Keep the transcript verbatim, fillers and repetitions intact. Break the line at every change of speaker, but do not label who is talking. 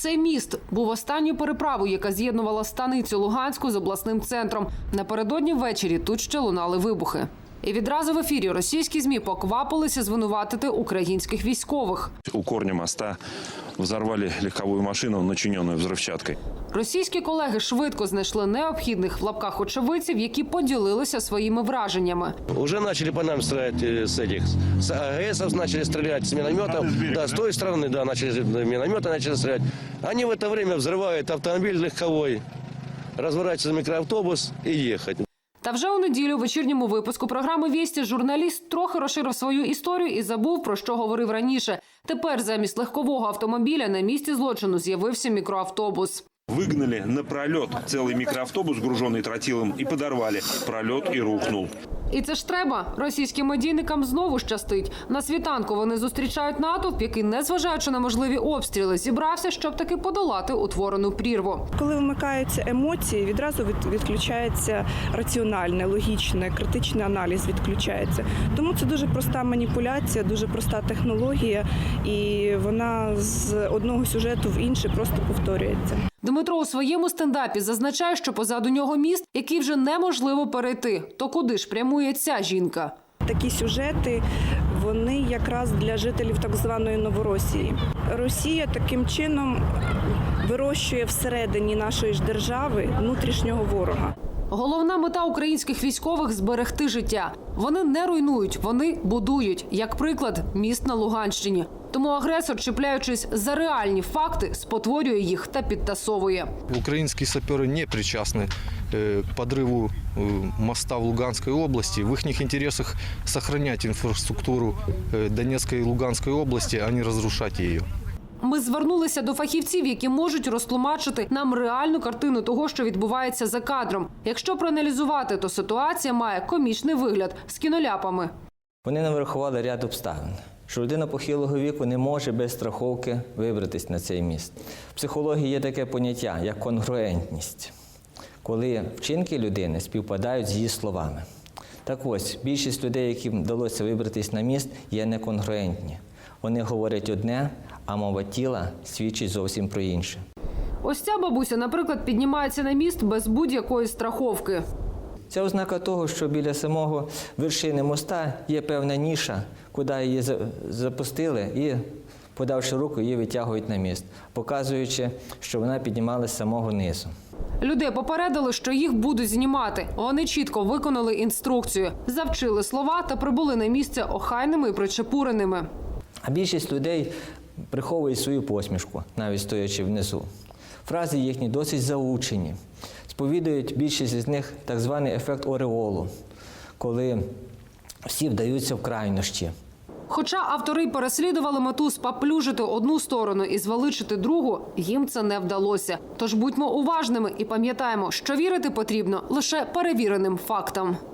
Цей міст був останньою переправою, яка з'єднувала станицю Луганську з обласним центром. Напередодні ввечері тут ще лунали вибухи. І відразу в ефірі російські ЗМІ поквапилися звинуватити українських військових.
У корня моста взорвали легковую машину, начиненную взрывчаткой.
Російські колеги швидко знайшли необхідних в лапках очевидців, які поділилися своїми враженнями.
Уже начали по нам стрелять с этих, с АГСов начали стрелять, с минометов. Да, с той стороны, да, начали минометы начали стрелять. Они в это время взрывают автомобиль легковой, разворачивается микроавтобус и ехать.
Та вже у неділю у вечірньому випуску програми «Вісті» журналіст трохи розширив свою історію і забув, про що говорив раніше. Тепер замість легкового автомобіля на місці злочину з'явився мікроавтобус.
Выгнали на пролет целый микроавтобус, груженный тротилом, и подорвали. Пролет и рухнул.
І це ж треба. Російським медійникам знову щастить. На світанку вони зустрічають натовп, який, незважаючи на можливі обстріли, зібрався, щоб таки подолати утворену прірву.
Коли вмикаються емоції, відразу відключається раціональне, логічне, критичний аналіз відключається. Тому це дуже проста маніпуляція, дуже проста технологія, і вона з одного сюжету в інший просто повторюється.
Дмитро у своєму стендапі зазначає, що позаду нього міст, який вже неможливо перейти. То куди ж прямує ця жінка?
Такі сюжети, вони якраз для жителів так званої Новоросії. Росія таким чином вирощує всередині нашої ж держави внутрішнього ворога.
Головна мета українських військових – зберегти життя. Вони не руйнують, вони будують. Як приклад, міст на Луганщині. Тому агресор, чіпляючись за реальні факти, спотворює їх та підтасовує.
Українські сапери не причасні к підриву моста в Луганській області. В їхніх інтересах зберігати інфраструктуру Донецької і Луганської області, а не розрушати її.
Ми звернулися до фахівців, які можуть розтлумачити нам реальну картину того, що відбувається за кадром. Якщо проаналізувати, то ситуація має комічний вигляд з кіноляпами.
Вони нам врахували ряд обставин, що людина похилого віку не може без страховки вибратись на цей міст. В психології є таке поняття, як конгруентність, коли вчинки людини співпадають з її словами. Так ось, більшість людей, яким вдалося вибратись на міст, є неконгруентні. Вони говорять одне, а мова тіла свідчить зовсім про інше.
Ось ця бабуся, наприклад, піднімається на міст без будь-якої страховки.
Це ознака того, що біля самого вершини моста є певна ніша, куди її запустили і, подавши руку, її витягують на міст, показуючи, що вона піднімалася з самого низу.
Людей попередили, що їх будуть знімати. Вони чітко виконали інструкцію, завчили слова та прибули на місце охайними і причепуреними.
А більшість людей приховує свою посмішку, навіть стоячи внизу. Фрази їхні досить заучені. Сповідують більшість з них так званий ефект ореолу, коли всі вдаються в крайнощі.
Хоча автори переслідували мету спаплюжити одну сторону і звеличити другу, їм це не вдалося. Тож будьмо уважними і пам'ятаємо, що вірити потрібно лише перевіреним фактам.